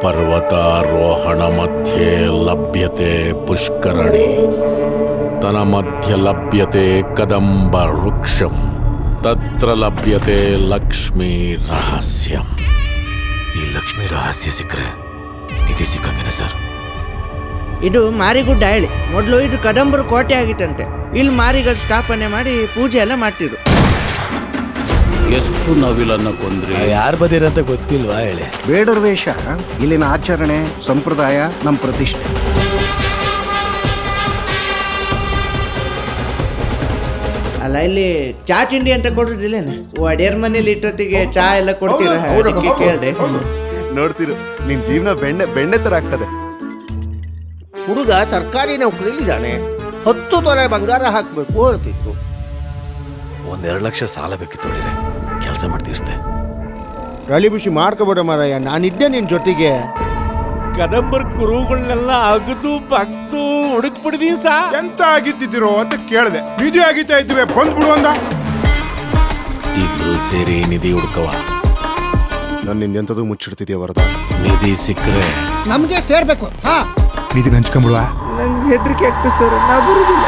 पर्वतारोहण मध्ये लभ्यते पुष्करणी तन मध्य लभ्यते कदंब वृक्षम तत्र लभ्यते लक्ष्मी रहस्यम. ಈ ಲಕ್ಷ್ಮಿ ರಹಸ್ಯ ಸಿಕ್ಕರೆ ನಿಧಿ ಸಿಕ್ಕಂಗೇನೆ ಸರ್? ಇದು ಮಾರಿಗುಡ್ಡ ಹೇಳಿ ಮೊದಲು ಇದು ಕದಂಬರ ಕೋಟೆ ಆಗಿತ್ತಂತೆ. ಇಲ್ಲಿ ಮಾರಿಗಳು ಸ್ಥಾಪನೆ ಮಾಡಿ ಪೂಜೆ ಎಲ್ಲ ಮಾಡ್ತಿದ್ರು. ಎಷ್ಟು ನವಿಲನ್ನ ಕೊಂದ್ರಿ? ಯಾರು ಬದಿರಂತ ಗೊತ್ತಿಲ್ವಾ ಹೇಳಿ? ಬೇಡರ ವೇಷ ಇಲ್ಲಿನ ಆಚರಣೆ ಸಂಪ್ರದಾಯ ನಮ್ಮ ಪ್ರತಿಷ್ಠೆ. ಅಲ್ಲ ಇಲ್ಲಿ ಚಾ ತಿಂಡಿ ಅಂತ ಕೊಡೋದಿಲ್ಲೇನೆ? ಒಡೆಯರ್ ಮನೇಲಿ ಇಟ್ಟೊತ್ತಿಗೆ ಚಾ ಎಲ್ಲ ಕೊಡ್ತೀರ? ಕೇಳಿದೆ. ನೋಡ್ತಿರು ನಿನ್ ಜೀವನ ಬೆಣ್ಣೆ ತರ ಆಗ್ತದೆ. ಹುಡುಗ ಸರ್ಕಾರಿ ನೌಕರಿಲಿದ್ದಾನೆ, 10 ತೊಲೆ ಬಂಗಾರ ಹಾಕಬೇಕು ಹೇಳ್ತಿತ್ತು. 1-2 ಲಕ್ಷ ಸಾಲ ಬೇಕಿತ್ತು ನೋಡಿದ್ರೆ ಕೆಲಸ ಮಾಡಿ ತೀರಿಸ್ದೆ. ರಳಿ ಬಿಸಿ ಮಾಡ್ಕೋಬೇಡ ಮಾರಾಯ, ನಾನಿದ್ದೆ ನಿನ್ ಜೊತೆಗೆ. ಕದಂಬರ್ ಕುರುಗಳನ್ನೆಲ್ಲ ಅಗದು ಬಗ್ದು ಹುಡುಕ್ ಬಿಡ್ದಿ ಸಾ. ಎಂತ ಆಗಿತ್ತಿದ್ದೀರೋ ಅಂತ ಕೇಳಿದೆ. ನಿಧಿ ಆಗಿತ್ತಾ ಇದ್ವಿ ಬಂದ್ಬಿಡು ಅಂದ. ಇಬ್ರು ಸೇರಿ ನಿಧಿ ಹುಡುಕವ. ನಾನು ನಿಂದೆಂಥದ್ದು ಮುಚ್ಚಿಡ್ತಿದ್ಯಾ ವರದ? ನಿಧಿ ಸಿಕ್ಕರೆ ನಮ್ಗೆ ಸೇರ್ಬೇಕು. ನಿಧಿ ಹಂಚ್ಕೊಂಡ್ಬಿಡುವ. ನಂಗೆ ಹೆದರಿಕೆ ಆಗ್ತದೆ ಸರ್, ನಾ ಬರುದಿಲ್ಲ.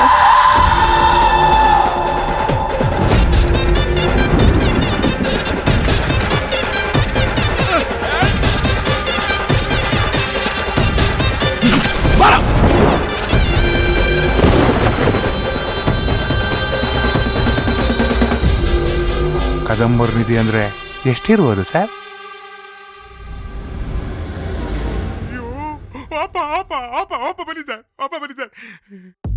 ಕದಂಬರ್ ನಿಧಿ ಅಂದ್ರೆ ಎಷ್ಟಿರ್ಬೋದು ಸರ್? ಬನ್ನಿ ಸರ್, ಬನ್ನಿ ಸರ್.